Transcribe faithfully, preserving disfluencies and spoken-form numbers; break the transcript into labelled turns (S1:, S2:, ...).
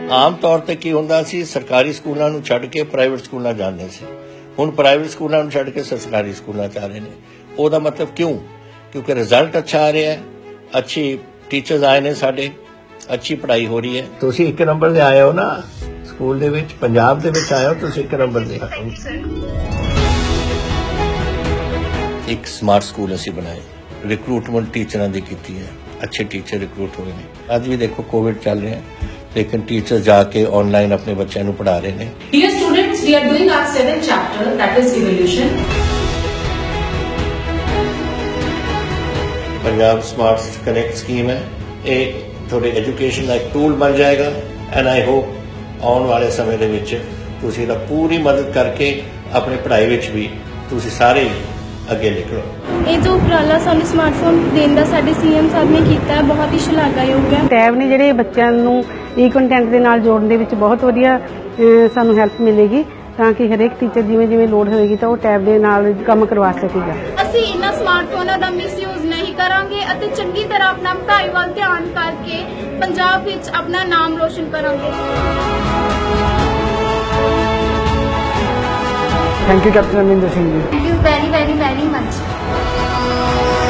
S1: ਆਮ ਤੌਰ ਤੇ ਕੀ ਹੁੰਦਾ ਸੀ, ਸਰਕਾਰੀ ਸਕੂਲਾਂ ਨੂੰ ਛੱਡ ਕੇ ਪ੍ਰਾਈਵੇਟ ਸਕੂਲਾਂ ਜਾਂਦੇ ਸੀ। ਹੁਣ ਪ੍ਰਾਈਵੇਟ ਸਕੂਲਾਂ ਨੂੰ ਛੱਡ ਕੇ ਸਰਕਾਰੀ ਸਕੂਲਾਂ ਚ ਆ ਰਹੇ ਨੇ। ਉਹਦਾ ਮਤਲਬ ਕਿਉਂ? ਕਿਉਂਕਿ ਰਿਜ਼ਲਟ ਅੱਛਾ ਆ ਰਿਹਾ ਹੈ, ਅੱਛੀ ਟੀਚਰਸ ਆਏ ਨੇ ਸਾਡੇ, ਅੱਛੀ ਪੜ੍ਹਾਈ ਹੋ ਰਹੀ ਹੈ। ਤੁਸੀਂ ਇੱਕ ਨੰਬਰ ਦੇ ਆਏ ਹੋ ਨਾ ਸਕੂਲ ਦੇ ਵਿੱਚ, ਪੰਜਾਬ ਦੇ ਵਿੱਚ ਆਏ ਹੋ ਤੁਸੀਂ ਇੱਕ ਨੰਬਰ ਦੇ। ਇੱਕ ਸਮਾਰਟ ਸਕੂਲ ਅਸੀਂ ਬਣਾਏ, ਰਿਕਰੂਟਮੈਂਟ ਟੀਚਰਾਂ ਦੀ ਕੀਤੀ ਹੈ, ਅੱਛੇ ਟੀਚਰ ਰਿਕਰੂਟ ਹੋਏ ਨੇ। ਅੱਜ ਵੀ ਦੇਖੋ ਕੋਵਿਡ ਚੱਲ ਰਿਹਾ ਲੇਕਿਨ ਟੀਚਰ ਜਾ ਕੇ ਆਨਲਾइन अपने बच्चों को पढ़ा रहे हैं।
S2: Dear students, we are doing our seventh chapter, that is evolution.
S1: Punjab smart connect scheme है, एक थोड़े एजुकेशन का एक टूल बन जाएगा एंड आई होप आने वाले समय ਦੇ ਵਿੱਚ ਤੁਸੀਂ ਇਹਦਾ ਪੂਰੀ ਮਦਦ ਕਰਕੇ ਆਪਣੀ ਪੜ੍ਹਾਈ ਵਿੱਚ ਵੀ ਤੁਸੀਂ ਸਾਰੇ ਅੱਗੇ ਨਿਕਲੋ।
S3: ਇਹ ਜੋ ਉਪਰਾਲਾ ਸਾਨੂੰ ਸਮਾਰਟਫੋਨ ਦੇਣ ਦਾ ਸਾਡੇ ਸੀਐਮ ਸਾਹਿਬ ਨੇ ਕੀਤਾ ਹੈ, ਬਹੁਤ ਹੀ ਸ਼ਲਾਘਾਯੋਗ ਹੈ।
S4: ਟੈਬ ਨੇ ਜਿਹੜੇ ਬੱਚਿਆਂ ਨੂੰ ਈ ਕੰਟੈਂਟ ਦੇ ਨਾਲ ਜੋੜਨ ਦੇ ਵਿੱਚ ਬਹੁਤ ਵਧੀਆ ਸਾਨੂੰ ਹੈਲਪ ਮਿਲੇਗੀ, ਤਾਂ ਕਿ ਹਰੇਕ ਟੀਚਰ ਜਿਵੇਂ ਜਿਵੇਂ ਲੋੜ ਹੋਏਗੀ ਤਾਂ ਉਹ ਟੈਬ ਦੇ ਨਾਲ ਕੰਮ ਕਰਵਾ ਸਕੇਗਾ।
S3: ਅਸੀਂ ਇਹਨਾਂ ਸਮਾਰਟਫੋਨਾਂ ਦਾ ਮਿਸਯੂਜ਼ ਨਹੀਂ ਕਰਾਂਗੇ ਅਤੇ ਚੰਗੀ ਤਰ੍ਹਾਂ ਆਪਣਾ ਪੜ੍ਹਾਈ ਵੱਲ ਧਿਆਨ ਕਰਕੇ ਪੰਜਾਬ ਵਿੱਚ ਆਪਣਾ ਨਾਮ ਰੋਸ਼ਨ ਕਰਾਂਗੇ।
S4: Thank you Captain Amarinder Singh ji.
S3: Thank you very very very much.